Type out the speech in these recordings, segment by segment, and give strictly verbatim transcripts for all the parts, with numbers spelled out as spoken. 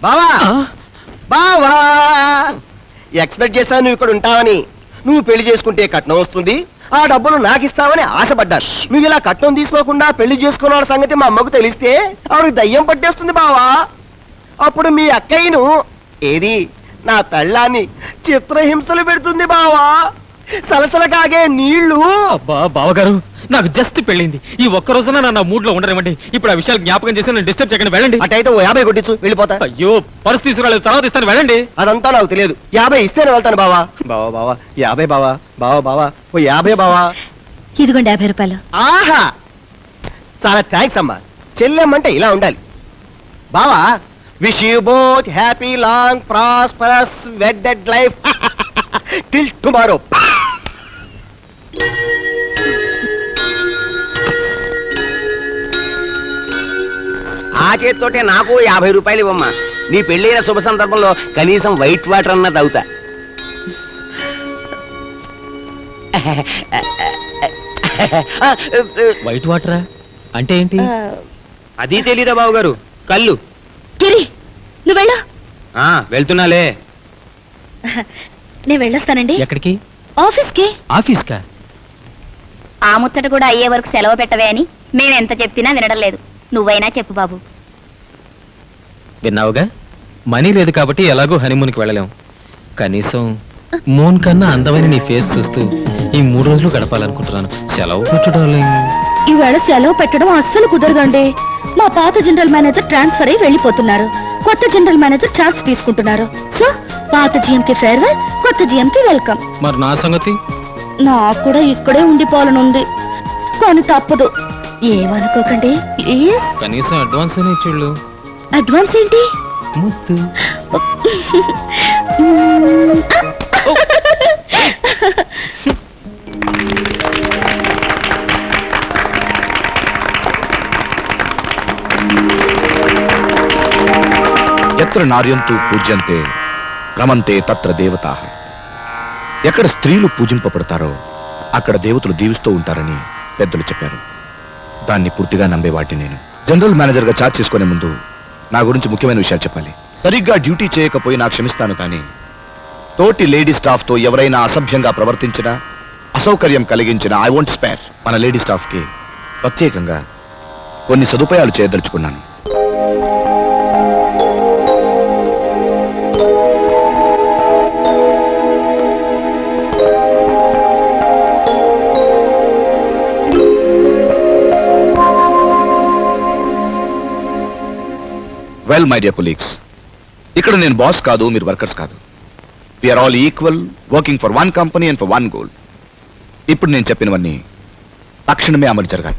బావా బావా ఎక్స్పెక్ట్ చేశాను నువ్వు ఇక్కడ ఉంటావని. నువ్వు పెళ్లి చేసుకుంటే కట్నం వస్తుంది, ఆ డబ్బులు నాకు ఇస్తావని ఆశపడ్డాను. నువ్వు ఇలా కట్నం తీసుకోకుండా పెళ్లి చేసుకున్న సంగతి మా అమ్మకు తెలిస్తే ఆవిడకి దయ్యం పట్టేస్తుంది బావా. అప్పుడు మీ అక్కయ్యను ఏది నా పెళ్ళాన్ని చిత్రహింసలు పెడుతుంది బావా. సలసల కాగే నీళ్లు. అబ్బా బావగారు, నాకు జస్ట్ పెళ్ళింది. ఈ ఒక్క రోజున నా మూడ్ లో ఉండరేమండి. ఇప్పుడు ఆ విషయాలు జ్ఞాపకం చేసి నన్ను డిస్టర్బ్ చేయకండి, వెళ్ళండి. అటైతే ఓ యాభై కొట్టించు, వెళ్ళిపోతా. అయ్యో పర్సు తీసుకురాలేదు, తర్వాత ఇస్తాను, వెళ్ళండి. అదంతా నాకు తెలియదు, యాభై ఇస్తేనే వెళ్తాను బావా. బావా బావా యాభై బావా. బావా బావా ఓ యాభై బావా. ఇదిగోండి యాభై రూపాయలు. ఆహా చాలా థ్యాంక్స్ అమ్మా. చెల్లెమ్మంటే ఇలా ఉండాలి. బావా wish you both happy long prosperous wedded life till tomorrow. ఆ చేతితోటే నాకు యాభై రూపాయలు ఇవ్వమ్మా. నీ పెళ్ళైన శుభ సందర్భంలో కనీసం వైట్ వాటర్ అన్న తాగుతా. వైట్ వాటరా అంటే ఏంటి? అది తెలీదా బాబు గారు? కళ్ళు. గిరి నువ్వు వెళ్ళు. వెళ్తున్నాలే. నేను వెళ్ళొస్తానండి. ఎక్కడికి? ఆఫీస్ కి. ఆఫీస్ కా? ఆ ముచ్చట కూడా అయ్యే వరకు సెలవు పెట్టవే అని మేమెంత చెప్పినా వినడం లేదు. నువ్వైనా చెప్పు బాబు. విన్నావుగా, మనీ లేదు కాబట్టి ఎలాగో హనీమూన్కి వెళ్ళలేం. కనీసం మూన్ కన్నా అందమైన నీ ఫేస్ చూస్తూ ఈ మూడు రోజులు గడపాలనుకుంటున్నాను. సెలవు పెట్టడం ఈవేళ సెలవు పెట్టడం అస్సలు కుదరదండి. మా పాత జనరల్ మేనేజర్ ట్రాన్స్ఫర్ అయి వెళ్ళిపోతున్నారు. కొత్త జనరల్ మేనేజర్ ఛాన్స్ తీసుకుంటున్నారు. సో పాత జీఎం కి ఫేర్వెల్, కొత్త జీఎం కి వెల్కమ్. మరి నా సంగతి? నాకు కూడా ఇక్కడే ఉండిపోవాలని ఉంది, కానీ తప్పదు. ఏమనుకోకండి ప్లీజ్. కనీసం అడ్వాన్స్ అనే ఇచ్చిళ్ళు. అడ్వాన్స్ ఏంటి? ముద్దు. ఎత్ర నార్యంతు పూజ్యంతే రమంతే తత్ర దేవతాః. ఎక్కడ స్త్రీలు పూజింపబడతారో అక్కడ దేవతలు దీవిస్తూ ఉంటారని పెద్దలు చెప్పారు. దాన్ని పూర్తిగా నమ్మేవాటి నేను. జనరల్ మేనేజర్గా చార్జ్ చేసుకునే ముందు నా గురించి ముఖ్యమైన విషయాలు చెప్పాలి. సరిగ్గా డ్యూటీ చేయకపోయినా క్షమిస్తాను, కానీ తోటి లేడీ స్టాఫ్తో ఎవరైనా అసభ్యంగా ప్రవర్తించినా, అసౌకర్యం కలిగించినా ఐ వోంట్ స్పేర్. మన లేడీ స్టాఫ్కి ప్రత్యేకంగా కొన్ని సదుపాయాలు చేయదలుచుకున్నాను. వెల్ మై డియర్ కొలీగ్స్, ఇక్కడ నేను బాస్ కాదు, మీరు వర్కర్స్ కాదు. We are all equal, working for one company and for one goal. ఇప్పుడు నేను చెప్పినవన్నీ తక్షణమే అమలు జరగాలి.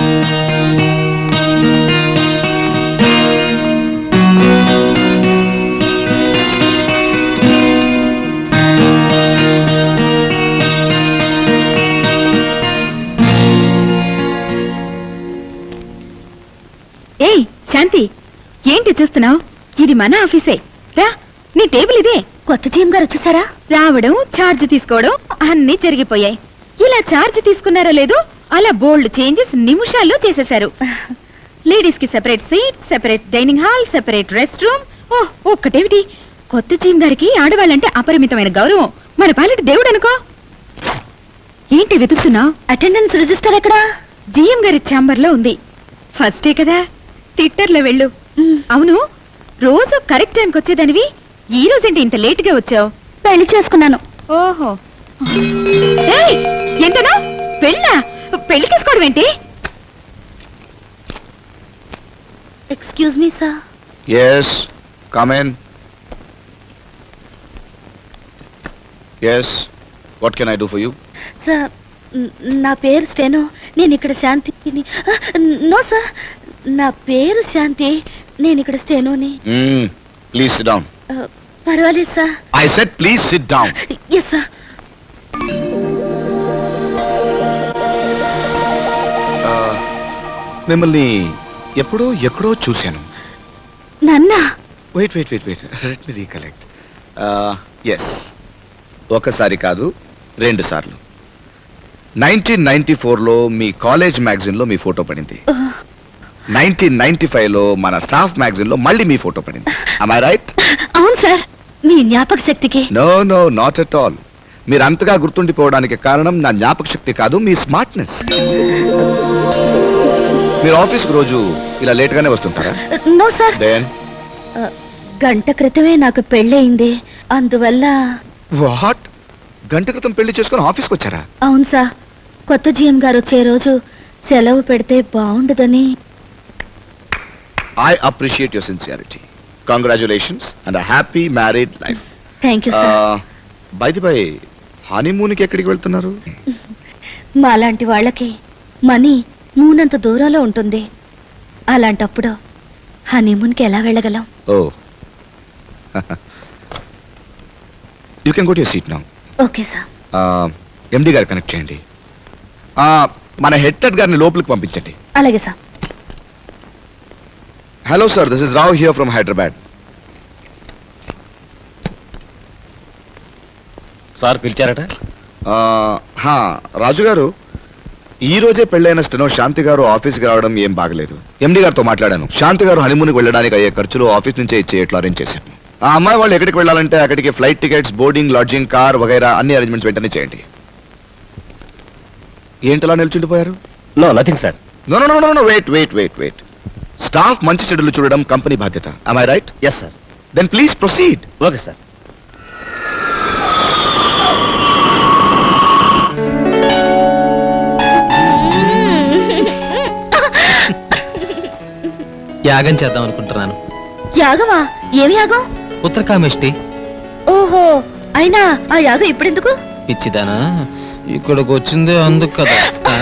ఏయ్ శాంతి, ఏంటి చూస్తున్నావు? ఇది మన ఆఫీసే రా. నీ టేబుల్ ఇదే. కొత్త జీఎం గారు వచ్చేసారా? రావడం, ఛార్జ్ తీసుకోవడం అన్ని జరిగిపోయాయి. ఇలా ఛార్జ్ తీసుకున్నారో లేదో అలా బోల్డ్ చేంజెస్ నిమిషాల్లో చేసేశారు. లేడీస్ కి separate seat, separate dining hall, separate rest room. ఓ ఒక్కటేమిటి, కొత్త జీఎం గారికి ఆడవాళ్ళంటే అపరిమితమైన గౌరవం. మన పాలిటి దేవుడు అనుకో. ఏంటి వెతుకుతున్నావు? అటెండెన్స్ రిజిస్టర్ ఎక్కడా? జీఎం గారి ఛాంబర్ లో ఉంది. ఫస్టే కదా, ట్విట్టర్లో వెళ్ళు. అవును, రోజు కరెక్ట్ టైంకి వచ్చేదానివి, ఈ రోజేంటి ఇంత లేట్ గా వచ్చావు? పెళ్లి చేసుకున్నాను. ఓహో, ఎంతనా పెళ్ళా? పెళ్లి చేసుకోవడం ఏంటి? Excuse me sir. Yes, come in. Yes, what can I do for you? Sir, నా పేరు స్టెనో. నేను ఇక్కడ శాంతిని. నో సార్, నా పేరు శాంతి. నేను ఇక్కడ స్టెనోని. Mm, please sit down. పర్వాలేదు sir. I said please sit down. Yes sir. Uh, మిమ్మల్ని ఎప్పుడో ఎక్కడో చూశాను. నన్నా? Wait wait wait wait let me recollect. Yes, ఒకసారి కాదు, రెండు సార్లు. నైన్టీన్ నైన్టీ ఫోర్లో మీ కాలేజ్ మ్యాగజైన్లో మీ ఫోటో పడింది. నైన్టీన్ నైన్టీ ఫైవ్ లో మన స్టాఫ్ మ్యాగజైన్ లో మళ్ళీ మీ ఫోటో పడింది. I right? అవును సార్, మీ జ్ఞాపక శక్తికి. No no not at all. మీరు అంతగా గుర్తుండిపోవడానికి కారణం నా జ్ఞాపక శక్తి కాదు, మీ స్మార్ట్నెస్. మీరు ఆఫీస్ రోజు ఇలా లేట్ గానే వస్తుంటారా? నో సార్, దెన్ గంట క్రితమే నాకు పెళ్ళయింది, అందువల్ల. వాట్? గంట క్రితం పెళ్లి చేసుకుని ఆఫీస్కి వచ్చారా? అవును సార్, కొత్త జీఎం గారు వచ్చే రోజు సెలవు పెడితే బాగుండదని. I appreciate your sincerity. Congratulations and happy married life. Thank you sir. By the by, హనీమూన్కి ఎక్కడికి వెళ్తున్నారు? మాలాంటి వాళ్ళకి మనీ మూనంత దూరంలో ఉంటుంది, అలాంటప్పుడు హనీమూన్కి ఎలా వెళ్ళగలం? Oh, you can go to your seat now. Okay sir. MD గారు కనెక్ట్ చేయండి. Uh, మన హెడ్ టెడ్ గారిని లోపలికి పంపించండి. అలాగే sir. Hello sir, this is Rao here from Hyderabad. Sir పిలిచారట? రాజు గారు, ఈ రోజే పెళ్ళైన స్టెనో శాంతి గారు ఆఫీస్కి రావడం ఏం బాగలేదు. ఎండి గారితో మాట్లాడాను. శాంతి గారు హనీమూన్కి వెళ్ళడానికి అయ్యే ఖర్చులు ఆఫీస్ నుంచే ఇచ్చేట్లు అరేంజ్ చేశాను. ఆ అమ్మాయి వాళ్ళు ఎక్కడికి వెళ్ళాలంటే అక్కడికి flight tickets, boarding, lodging, car వగైరా అన్ని అరేంజ్మెంట్స్ వెంటనే చేయండి. ఏంటలా నిల్చుండిపోయారు? No nothing sir. No no no no wait wait wait wait staff మంచి చెడులు చూడడం కంపెనీ బాధ్యత. am I right? Yes sir. then please proceed. Okay sir. యాగం చేద్దాం అనుకుంటున్నాను. యాగమా? ఏమి యాగం? ఉత్తరకామేష్టి. ఓహో, అయినా ఆ యాగం ఇప్పుడెందుకు? పిచ్చిదానా, ఇక్కడికి వచ్చిందే అందుకు కదా. ఆ?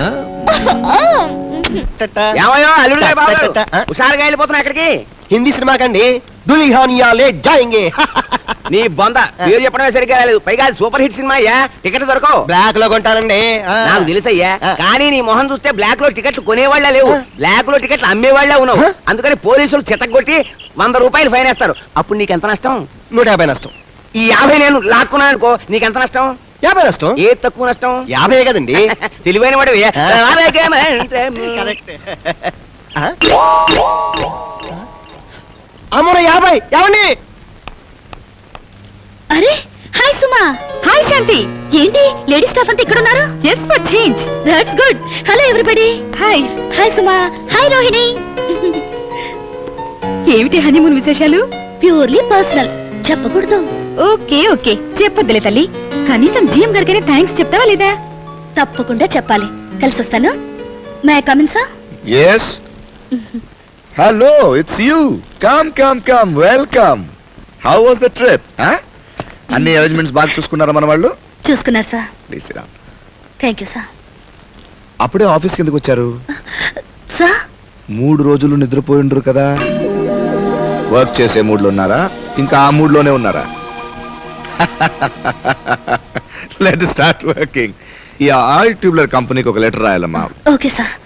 ఏమయ్యో అల్లుడు గారు, బాబు గారు, హుషారుగా వెళ్ళిపోతున్నా ఎక్కడికి? హిందీ సినిమా కండి. దుల్హనియా లే జాయింగే. నీ బొంద పేరు చెప్పడమే సరిగ్గా లేదు, పైగా అది సూపర్ హిట్ సినిమా అయ్యా. టికెట్ దొరకవు. బ్లాక్ లో కొంటానండి. నాకు తెలుసయ్యా, కానీ నీ మొహం చూస్తే బ్లాక్ లో టికెట్లు కొనేవాళ్లే లేవు, బ్లాక్ లో టికెట్లు అమ్మేవాళ్లే ఉన్నావు. అందుకని పోలీసులు చితగొట్టి వంద రూపాయలు ఫైన్ వేస్తారు. అప్పుడు నీకెంత నష్టం? నూట యాభై నష్టం. ఈ యాభై నేను లాక్కున్నాను అనుకో, నీకెంత నష్టం? యాభై నష్టం. ఏ తక్కువ నష్టం? యాభై కదండి. తెలివైన వాడు. అమ్మో యాభై. ఏమండి? అరే, హాయ్ సుమా. హాయ్ శాంతి. ఏంటి లేడీ స్టాఫ్ అంతా ఇక్కడ ఉన్నారు? Just for change. That's good. Hello everybody. Hi. Hi Suma. Hi Rohini. ఏమిటి హనీమూన్ విశేషాలు? ప్యూర్లీ పర్సనల్, చెప్పకూడదు. ఓకే ఓకే, చెప్పొద్దులే తల్లి. కనీసం జీఎం గారికైనా థ్యాంక్స్ చెప్తావా లేదా? తప్పకుండా చెప్పాలి. కలిసి వస్తాను. May I come in sir? yes hello, it's you. come come come welcome. how was the trip? huh? అన్ని అరేంజ్మెంట్స్ బాగా చూసుకున్నారా మన వాళ్ళు? చూసుకున్నారు సార్. Please sit down. Thank you sir. అప్పుడే ఆఫీస్కి ఎందుకు వచ్చారు? సార్, మూడు రోజులు నిద్రపోయి ఉండరు కదా. వర్క్ చేసే మూడ్లో ఉన్నారా, ఇంకా ఆ మూడ్లోనే ఉన్నారా? Let start working. ఈ ఆయిల్ ట్యూబ్లర్ కంపెనీకి ఒక లెటర్ రాయాలమ్మా. Okay sir.